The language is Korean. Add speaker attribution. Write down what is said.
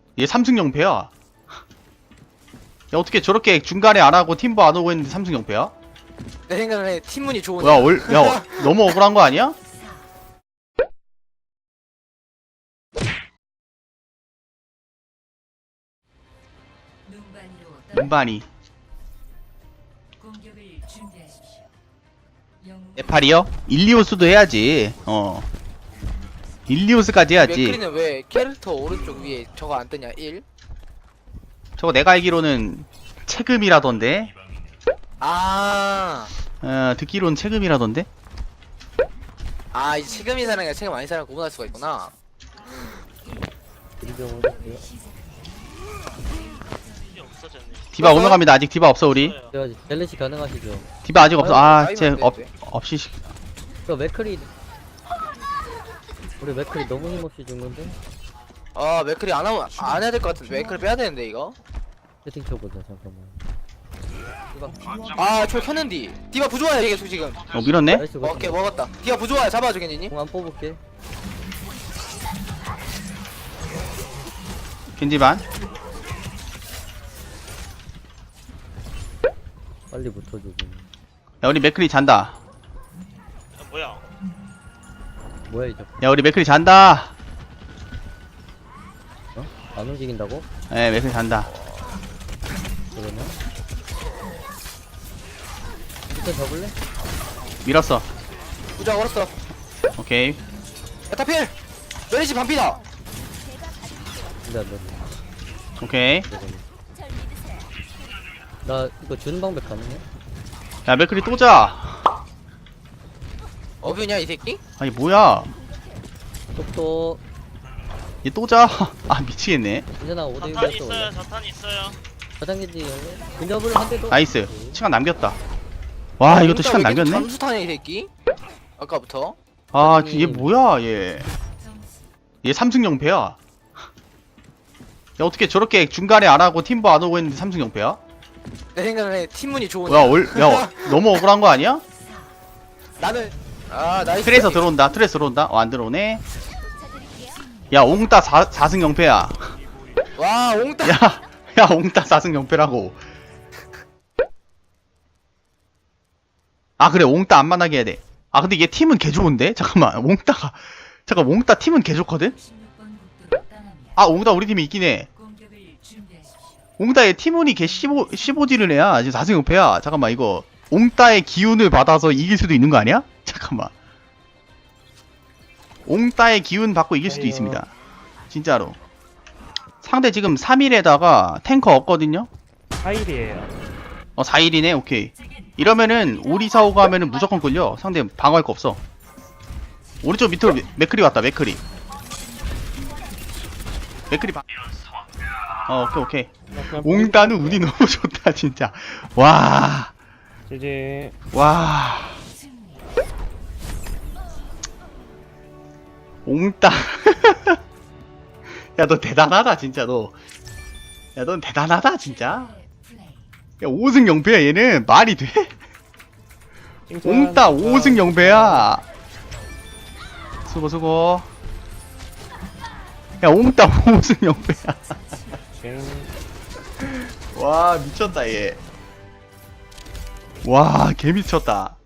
Speaker 1: 얘 3승 0패야. 야, 어떻게 저렇게 중간에 안 하고 팀버 안 오고 있는데 3승 0패야?
Speaker 2: 내 생각에 팀문이 좋은.
Speaker 1: 야, 야, 너무 억울한 거 아니야? 눈반이. 네팔이요? 일리오스도 해야지. 일리오스까지 해야지.
Speaker 2: 맥크리는 왜 캐릭터 오른쪽 위에 저거 안 뜨냐? 1?
Speaker 1: 저거 내가 알기로는 체금이라던데.
Speaker 2: 아,
Speaker 1: 듣기로는 체금이라던데.
Speaker 2: 아, 이 체금이 사는 게 체금 아닌 사람 구분할 수가 있구나.
Speaker 1: 디바 오면 갑니다. 아직 디바 없어 우리.
Speaker 3: 밸런시 가능하시죠?
Speaker 1: 디바 아직 없어. 쟤
Speaker 2: 아이고,
Speaker 1: 없이.
Speaker 3: 저 맥크리 우리 맥크리 너무 힘없이 죽는데?
Speaker 2: 아, 맥크리 안 하면 안 해야 될 것 같은데 맥크리 빼야 되는데 이거.
Speaker 3: 세팅 쳐보자 잠깐만.
Speaker 2: 아, 저 켰는디. 디바 부조화야 이게 지금.
Speaker 1: 밀었네.
Speaker 3: 나이스
Speaker 2: 오케이 먹었다. 디바 부조화야 잡아줘 겠니님.
Speaker 3: 공안 뽑을게.
Speaker 1: 겐지반.
Speaker 3: 빨리 붙어줘 좀.
Speaker 1: 야, 우리 맥크리 잔다.
Speaker 3: 뭐야 이 자꾸.
Speaker 1: 야, 우리 맥크리 잔다.
Speaker 3: 어? 안 움직인다고?
Speaker 1: 예, 맥크리 잔다.
Speaker 3: 그러면? 일단 잡을래?
Speaker 1: 밀었어.
Speaker 2: 부조화 걸었어.
Speaker 1: 오케이.
Speaker 2: 에타필. 메리시 반피다.
Speaker 3: 근데 안 돼.
Speaker 1: 오케이.
Speaker 3: 나 이거 주는 방법 가능해?
Speaker 1: 야, 맥크리 또 자.
Speaker 2: 어뷰냐 이 새끼?
Speaker 1: 아니, 뭐야.
Speaker 3: 똑똑.
Speaker 1: 얘 또 자. 아, 미치겠네.
Speaker 3: 괜찮아 5대6
Speaker 4: 자탄
Speaker 3: 했어
Speaker 4: 있어요.
Speaker 3: 원래.
Speaker 4: 자탄 있어요.
Speaker 3: 가장기지 원래. 근접을 한 대도.
Speaker 1: 나이스. 시간 남겼다. 와, 이것도 시간 남겼네?
Speaker 2: 잠수타냐 이 새끼? 아까부터.
Speaker 1: 아, 얘 뭐야, 얘. 얘 3승 0패야. 야, 어떻게 저렇게 중간에 안 하고 팀버 안 오고 있는데 3승 0패야?
Speaker 2: 내 생각에 팀문이 좋은.
Speaker 1: 야, 너무 억울한 거 아니야?
Speaker 2: 나는 아 나이스.
Speaker 1: 트레에서 들어온다. 트레에서 들어온다. 안 들어오네. 야, 옹따 4승 0패야.
Speaker 2: 와 옹따.
Speaker 1: 야, 옹따 4승 0패라고. 아, 그래. 옹따 안 만나게 해야 돼. 아, 근데 얘 팀은 개 좋은데? 잠깐만. 옹따 팀은 개 좋거든? 아, 옹따 우리 팀에 있긴 해. 옹따 얘 팀운이 개 15지를 해야. 지금 4승 0패야. 잠깐만, 이거. 옹따의 기운을 받아서 이길 수도 있는 거 아니야? 잠깐만. 옹따의 기운 받고 이길 수도 있습니다. 진짜로. 상대 지금 3일에다가 탱커 없거든요?
Speaker 5: 4일이에요.
Speaker 1: 4일이네? 오케이. 이러면은, 오리사오가 하면은 무조건 끌려. 상대 방어할 거 없어. 오른쪽 밑으로 맥크리 왔다, 맥크리. 맥크리 오케이. 옹따는 운이 너무 좋다, 진짜. 와.
Speaker 5: 이제
Speaker 1: 와. 옹따. 야, 너 대단하다, 진짜, 너. 야, 넌 대단하다, 진짜. 야, 5승 0패야, 얘는. 말이 돼? 옹따 5승 0패야. 수고. 야, 옹따 5승 0패야. 와, 미쳤다, 얘. 와, 개 미쳤다.